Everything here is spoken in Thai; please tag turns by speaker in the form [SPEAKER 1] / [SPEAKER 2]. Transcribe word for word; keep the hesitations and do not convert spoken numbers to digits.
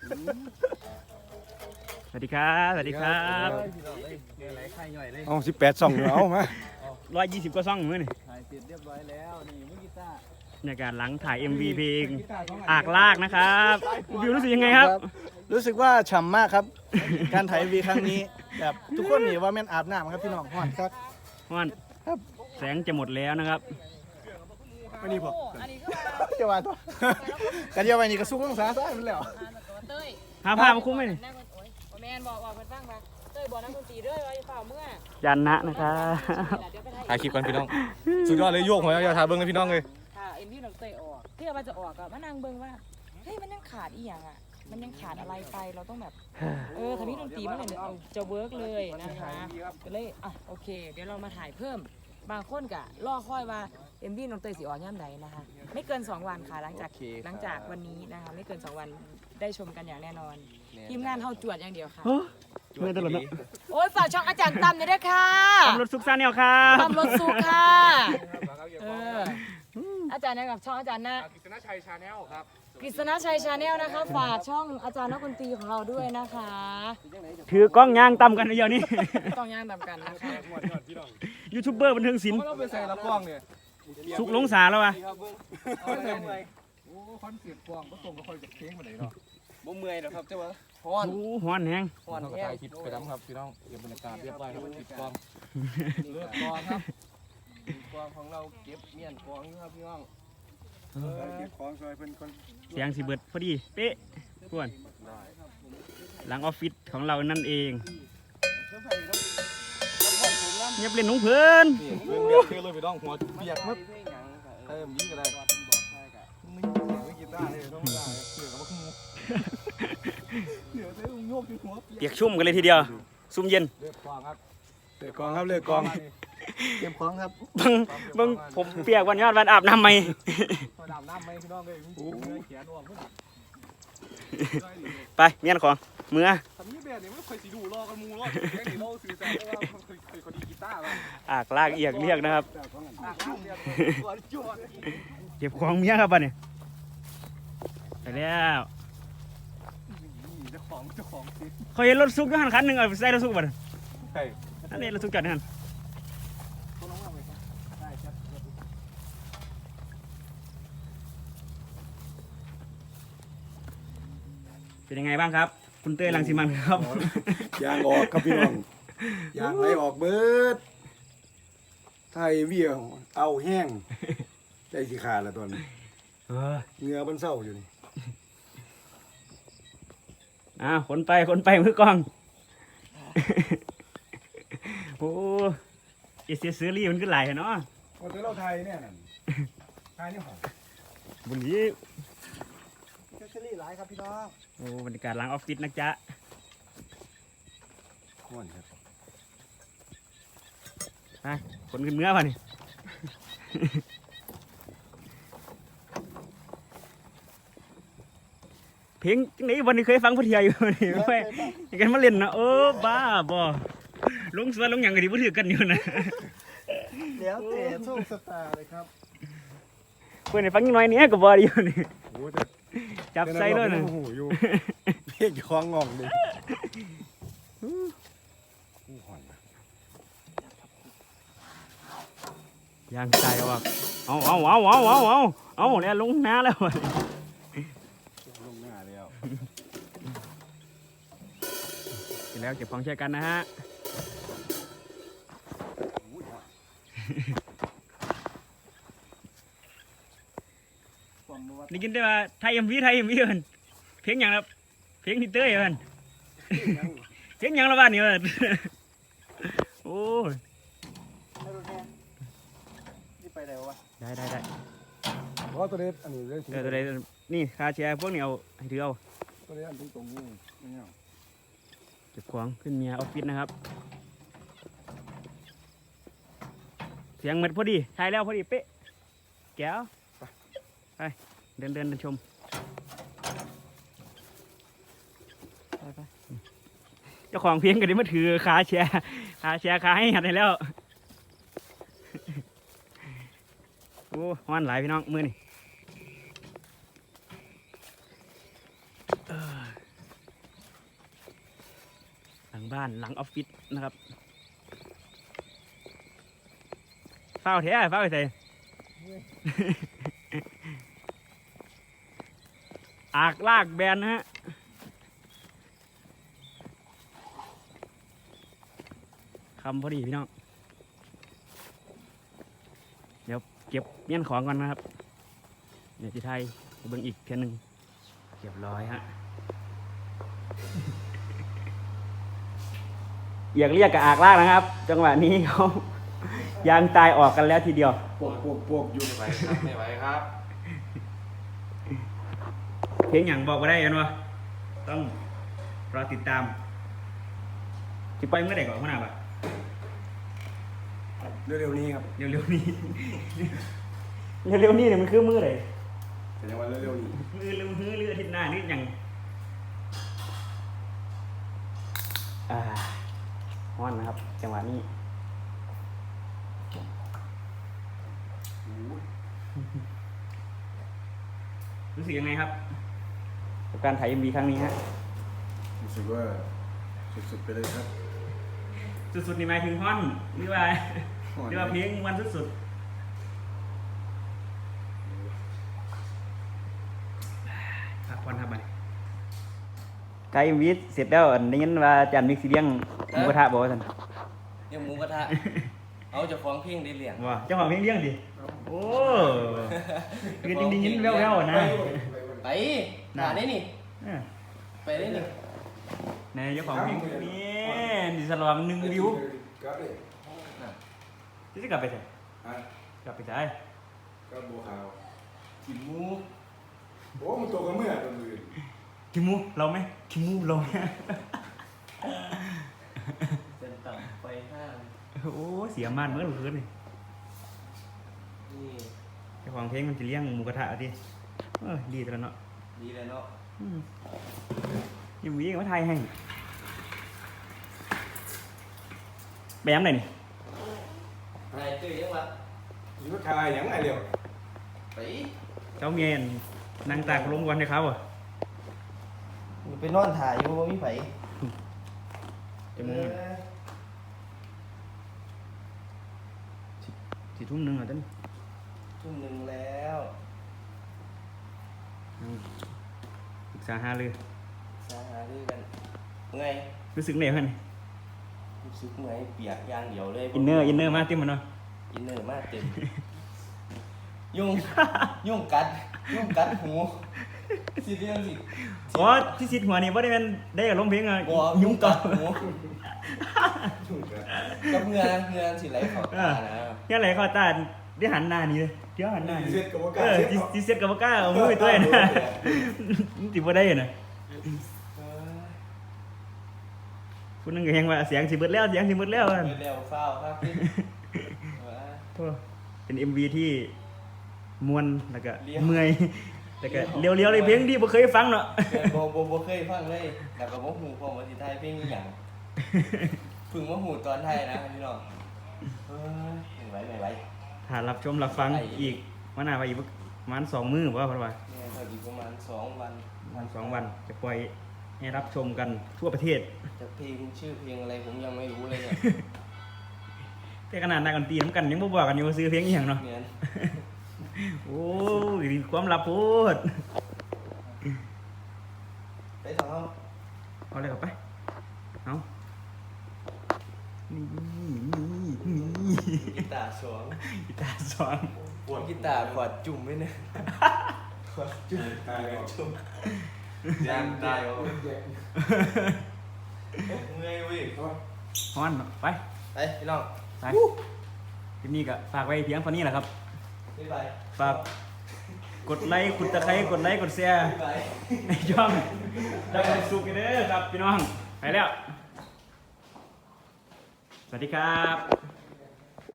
[SPEAKER 1] สวัสดีครับสวัสดีครับ
[SPEAKER 2] เอาสิบแปดสองเอามา
[SPEAKER 1] ร้อยยี่สิบก็ซ่องมือนี่
[SPEAKER 3] ถ่ายเสร็จเรียบร้อยแล้วนี่มือกีตาร์
[SPEAKER 1] บรรยากาศหลังถ่าย เอ็ม วี เพลงอากลากนะครับวิวรู้สึกยังไงครับ
[SPEAKER 2] รู้สึกว่าฉ่ำมากครับ การถ่ายวีครั้งนี้แบบทุกคนนี่ว่าแม่นอาบน้ำครับพี่น้องฮอนครับ
[SPEAKER 1] ม่อนแสงจะหมดแล้วนะครับ
[SPEAKER 2] ไม่นี่พอ
[SPEAKER 4] อันนี้ก็
[SPEAKER 2] จะว่าตัวกันเดียวไปนี่ก็สู้ต้องสาซ้ายมันแล้ว
[SPEAKER 4] เต้ย
[SPEAKER 1] หาผ้ามาคุ้มไหมนี่
[SPEAKER 4] นั่งโอ้ยแมนบอกบอกเพื่อนฟังมาเต้ยบอกนักดนตรีด้วยว่าเปล่าเมื่อ
[SPEAKER 1] ยันนะนะครับ
[SPEAKER 4] เดี๋ยวไป
[SPEAKER 5] ถ่ายคลิปกันพี่น้อง สุดยอดเลยโยกหัวยาวๆถ่ายเบิ้งเลยพี่น้องเลย
[SPEAKER 4] ค่ะเอ็มพี่น้องเต้ยออกเพื่อว่าจะออกอะมานั่งเบิ่งว่าเฮ้ยมันยังขาดอีหยังอะมันยังขาดอะไรไปเราต้องแบบเออทำให้ดนตรีมันเนี่ยจะเวิร์กเลยนะคะก็เลยอ่ะโอเค เดี๋ยวเรามาถ่ายเพิ่มบางคนกะล่อค่อยว่าเอ็มวีน้องเตยสีอ่อนย่ำไหนนะคะไม่เกินสองวันค่ะหลังจากหลังจากวันนี้นะคะไม่เกินสองวันได้ชมกันอย่างแน่นอนทีมงานเฮาจวดอย่างเดียวค่ะ
[SPEAKER 1] ไม่ตลกแล้ว
[SPEAKER 4] โอ้ยฝากช่องอาจารย์ตั้มเลยด้วยค่ะ
[SPEAKER 1] ตำรวจสุขสันต์เนี่ยครับ
[SPEAKER 4] ตั้มรถสุกค่ะเอออาจารย์นะครับช่องอาจารย์นะ
[SPEAKER 5] กฤษณชัยชาแนลครับ
[SPEAKER 4] กฤษณชัยชาแนลนะคะฝากช่องอาจารย์นักดนตรีของเราด้วยนะคะ
[SPEAKER 1] ถือกล้องยางต่ำกันเดียวนี้
[SPEAKER 4] ต้องย่างตามกันนะคะ
[SPEAKER 1] ยูทูบเบอร์บันเทิงศิลป์
[SPEAKER 5] เราไปใส่ละกล้องเนี่ย
[SPEAKER 1] สุกหลงสาแล้ววะ
[SPEAKER 5] เอาไปใส่เนี่ยโอ้คอนเสิร์ตกล้องก็ส่งก็ค่อยกับเพลงมาไหนเนาะ
[SPEAKER 3] บ่เมื่อยหรอกครับเจ้าวะ
[SPEAKER 5] ฮ้อน
[SPEAKER 1] โอ้หอนแหง
[SPEAKER 5] ฮ้อนก็ถ่ายคลิปไปน้ำครับพี่น้องเก็บบรรยากาศเรียบร้อยครับติดกล้องเลือกกล้องครับกล้องของเราเก็บเมียนกล้องอยู่ครับพี่น้อง
[SPEAKER 2] เก็บของซอยเพิ่นคน
[SPEAKER 1] เสียงสีเบิดพอดีเป๊ะกวนหลังออฟฟิศของเรานั่นเองเงียบเล่นหนุ่งเพื่อน
[SPEAKER 5] นี่เรื่องเดียวคือเลยพี่น้องหัวเปียกมัดเติมยิ่งก็ได้ไม่ไม่กีตาร์เลยต้องได้เสือกับพวกงูเสือใช้โยกที่หัว
[SPEAKER 1] เปียกชุ่มกันเลยทีเดียวซุ่มเย็น
[SPEAKER 5] เลือกกล้องครับ
[SPEAKER 2] เลือกกองครับเลือกกองเก็บของครับ
[SPEAKER 1] เบังเบังผมเปียกวันยอดวันอาบน้ำไหม
[SPEAKER 5] พอดำน้ำไหมพี่น้องเลยโอ้ยเขียนออกเพื่อน
[SPEAKER 1] ไปเมียนของเมื่อ
[SPEAKER 5] ทำนี้แบบนี้ไม่เคยสีดูรอกันมูรอดแค่นี้เราสื่อสารว่ามันเคยเคยคนดีกีตาร์ป่ะ
[SPEAKER 1] อากลากเอียกเรียกนะครับ
[SPEAKER 5] อ่ะจุ่มตัวจุ่ม
[SPEAKER 1] เก็บของเมียครับบ้านนี่ไปแล้ว
[SPEAKER 5] เจ้าของเจ้าของสิ
[SPEAKER 1] เขาเห็นรถซุกอยู่หันคันหนึ่งเอาไปใส่รถซุกบ้าน
[SPEAKER 5] ใช่
[SPEAKER 1] นั่นเองรถซุกจอดในหัน
[SPEAKER 5] ต้องน้องว่าไงครับได้ครับ
[SPEAKER 1] เป็นยังไงบ้างครับ คุณเต้ยรังสิมันครับ
[SPEAKER 2] ยางออกครับพี่น้องยางไหลออกเบิดไทยเวียเอาแห้งใจสิขาดละตอนนี้
[SPEAKER 1] เออ
[SPEAKER 2] เหงื่อมันเศร้าอยู่นี่
[SPEAKER 1] อ่าขนไปขนไปมือกล้อง โอ้เอเซียซื้อรี่มันก็ไหลายเนาะ
[SPEAKER 2] พอเจอเราไทยเนี่ยนั่นไทยนี่หอม
[SPEAKER 1] บนนี้
[SPEAKER 2] เชอรี่หลายครับพี่น้อง
[SPEAKER 1] โอ้บรรยากาศหลังออฟฟิศนะจ๊ะ
[SPEAKER 2] ข้นครับ
[SPEAKER 1] ไปขนขึ้นเนื้อป่ะนี่ เพลงจังไหนวันนี้เคยฟังพุทธิยาอยู่นี่ไม่ยังกันมาเล่นนะเออบ้าบ่ลงสวนลงอย่างกันดีพูดถือกันอยู่นะ
[SPEAKER 2] แล้วแต่โชคชะตาเลยครับ
[SPEAKER 1] เพื่อนให้ฟังนิดหน่อยเนี้ยก็บ่ดีอยู่นี่
[SPEAKER 2] โอ้แต่
[SPEAKER 1] จับใส่ด้วยนะ
[SPEAKER 2] โอ้โหอยู่เพียกคล้องงองเลยอู้หอน
[SPEAKER 1] ยางใจว่ะเอาเอาเอาเอาเอาเอาเอาเนี่ยลงน้าแล้วว่ะ
[SPEAKER 2] ลงหน้าแล้ว
[SPEAKER 1] เสร็จแล้วเก็บของใช้กันนะฮะได้ยินได้ว่าไทยเอ็มวีไทยเอ็มวีเอินเพลงอย่างละเพลงที่เต้ยเอินเพลงอย่างละบ้านนี่เอินโอ้ย
[SPEAKER 2] นี่ไปไหนวะ
[SPEAKER 1] ได้ได้ได้
[SPEAKER 2] เพราะตัวเล็กอันนี้เรื่อง
[SPEAKER 1] เออตัวใดนี่คาแชร์พวกนี้เอาให้ถือเอา
[SPEAKER 2] ตัวเล็กอันตรงตรงนี้ไม่เอา
[SPEAKER 1] เก็บของขึ้นเมียออฟฟิศนะครับเสียงเหมือนพอดีถ่ายแล้วพอดีเป๊ะแก้วไปเดินเดินเดินชมไปไปเจ้าของเพลงก็ได้มาถือขาแชร์ขาแชร์ขาให้หัดให้แล้วโอ้ฮ้อนหลายพี่น้องมือนี่บ้านหลังออฟฟิศนะครับเฝ้าแท้เฝ้าไปใส่ อากลากแบนนะฮะคำพอดีพี่น้องเดี๋ยวเก็บเมี่ยนของก่อนนะครับเดี๋ยวจะไทยเบิ่งอีกเพียงหนึ่งเรียบร้อยฮะ อยากเรียกกับอากลากนะครับ จังหวะนี้เขายางตายออกกันแล้วทีเดียว
[SPEAKER 2] ปวกปวกปวกอยู่
[SPEAKER 5] ไม่ไหวครับไม่ไหวครับ
[SPEAKER 1] เพลงอย่างบอกมาได้กันวะต้องรอติดตามจะไปเมื่อไหร่ก่อนขนาดปะ
[SPEAKER 2] เร็วๆนี้ครับ
[SPEAKER 1] เร็วๆนี้ เร็วๆนี้เนี่ยมันคือมือไหน
[SPEAKER 2] แต่ยังว่าเร็วๆนี้
[SPEAKER 1] มือเร็วมือเรืออาทิตย์หน้านี่ยังอ่าฮ้อนนะครับ จังหวะนี้รู้สึกยังไงครับกับการถ่ายเอ็มวีครั้งนี้ฮะ
[SPEAKER 2] รู้สึกว่าสุดๆไปเลยครับ
[SPEAKER 1] สุดๆนี่หมายถึงฮ้อนหรือว่าหรือว่าเพลงมันสุดๆพักผ่อนครับไปถ่ายเอ็มวีเสร็จแล้วอันนี้ว่าอาจารย์มิกซิเลี้ยงหมูกระทะบอกว่าท่าน
[SPEAKER 3] เรื่องหมูกระทะ เอาเจะฟ้าของเพลงได้เลี้ยง
[SPEAKER 1] ว่าเจ้าของเพลงเลี้ยงดิโอ้คือจริงๆแว่วๆนะ
[SPEAKER 3] ไปหาได้นี่
[SPEAKER 1] เออ
[SPEAKER 3] ไปได้นี่
[SPEAKER 1] ในเจ้าของเพลงนี่ดิสลองหนึ่งวิว
[SPEAKER 2] กลับเลย
[SPEAKER 1] ที่จะกลับไปไหน
[SPEAKER 2] ฮะ
[SPEAKER 1] กลับไปไหน
[SPEAKER 2] กลับบัวขาว
[SPEAKER 3] กินหมู
[SPEAKER 2] โอ้มันตัวกันเมื่อตัวมือ
[SPEAKER 1] คิมูเราไหมคิมูเราไหม
[SPEAKER 3] เดินต่ำไปห้าง
[SPEAKER 1] โอ้เสียมานเมื่อคืนนี่
[SPEAKER 3] นี่
[SPEAKER 1] เจ้าของเพลงมันจะเลี้ยงหมูกระทะดิเออดีแต่ละเนาะ
[SPEAKER 3] ดีเลยเนาะ
[SPEAKER 1] อืมยังมีมาไทยให้ไปย้ำไหนนี่
[SPEAKER 3] อะไรตื่นยังวะ
[SPEAKER 2] อยู่ว่าทายอย่างไรเร็ว
[SPEAKER 3] ไป
[SPEAKER 1] เจ้าเมียนนางตากลมวันให้เขาอ่ะ
[SPEAKER 3] ไปนอนถ่ายอยู่ไม่ไป
[SPEAKER 1] จะมึงสี่ทุ่มหนึ่งเหรอท่าน
[SPEAKER 3] ทุ่มหนึ่งแล้ว
[SPEAKER 1] ปรึกษาหาเลย
[SPEAKER 3] สาหาด้วยกันไง
[SPEAKER 1] รู้สึกเหนื่อยเพื่อน
[SPEAKER 3] รู้สึกไงเปียกอย่างเดียวเลย
[SPEAKER 1] อินเนอร์อินเนอร์มากเต็มมันเนาะ
[SPEAKER 3] อินเนอร์มากเต็ม ยุ่ง ยุ่งกัด ยุ่งกัดหูสิเรื่องสิ
[SPEAKER 1] อ๋อที่สิทธิ์หัวนี่ว่าได้เป็นได้กับลมเพลงอ่ะ
[SPEAKER 3] บ่
[SPEAKER 1] ยุ่งต่อ
[SPEAKER 3] หูกับเงือเงือสิไหลเขาตานะ
[SPEAKER 1] ยังไงเขาตาได้หันหน้านี่เลยเดี๋ยวหันหน้านี่
[SPEAKER 2] เสร็จกับว่า
[SPEAKER 1] เออที่เซ็ตกับบ่กล้าเอามือไปตัวนะมันติบ่ได้น่ะผู้นึงก็ยังว่าเสียงสิเบิดแล้วเสียงสิเบิดแล้ว
[SPEAKER 3] เอ
[SPEAKER 1] อะ
[SPEAKER 3] อเร็วเฝ้าครับพี่ว่า
[SPEAKER 1] โธ่เป็น เอ็ม วี ที่ม่วนแล้วก็
[SPEAKER 3] เลี้ยว
[SPEAKER 1] เมื่อยแล้วก็เลี้ยวๆเลยเพลงที่บ่เคยฟังเนาะ
[SPEAKER 3] เออบ่บ่บ่เคยฟังเลยแต่ก็บ่ฮู้พอมาสิไทยเพลงอีหยังเพิ่งมาฮู้ตอนไทยนะพี่น้องเออไม่ไหวไม่ไหว
[SPEAKER 1] ถ้ารับชมรับฟัง
[SPEAKER 3] ไอ้
[SPEAKER 1] อีกวันหน้าไปอีกประมาณสองมื้อบ่ว่าเพิ่นว่า
[SPEAKER 3] เนี่ยก็อีกประมาณสองวัน
[SPEAKER 1] ประมาณสองวันจะปล่อยให้รับชมกันทั่วประเทศ
[SPEAKER 3] แต่เพลงชื่อเพลงอะไรผมยังไม่รู้เลยเนี่ย
[SPEAKER 1] แต่ขนาดนักดนตรีนำกันยังบ่บอกกันอยู่ว่าซื้อเพลงอีหยังเนาะ
[SPEAKER 3] เนี่ย
[SPEAKER 1] โอ้ยความลับโพด
[SPEAKER 3] ไปต่อเอา
[SPEAKER 1] เอาเลยครับไปเอานี่นี่นี่
[SPEAKER 3] กีตาร์สอง
[SPEAKER 1] กีตาร์สอง
[SPEAKER 3] ปวดกีตาร์ขวดจุ่มไว้เนี่ยขวดจุ่ม
[SPEAKER 2] ตายแล้ว
[SPEAKER 3] จุ่ม
[SPEAKER 5] ยางตายเอา
[SPEAKER 3] เมื่อยเว้ย
[SPEAKER 1] ฮ้อนไป
[SPEAKER 3] ไปพี่น้อง
[SPEAKER 1] ไปคลิปนี้ก็ฝากไว้เพียงเท่านี้แหละครับ
[SPEAKER 3] บ๊ายบาย
[SPEAKER 1] ฝากกดไลค์กดตะไคร้กดไลค์กดแชร์
[SPEAKER 3] บ๊ายบาย
[SPEAKER 1] ในช่องได้ความสุขกันเด้อครับพี่น้อง ไปแล้ว สวัสดีครับ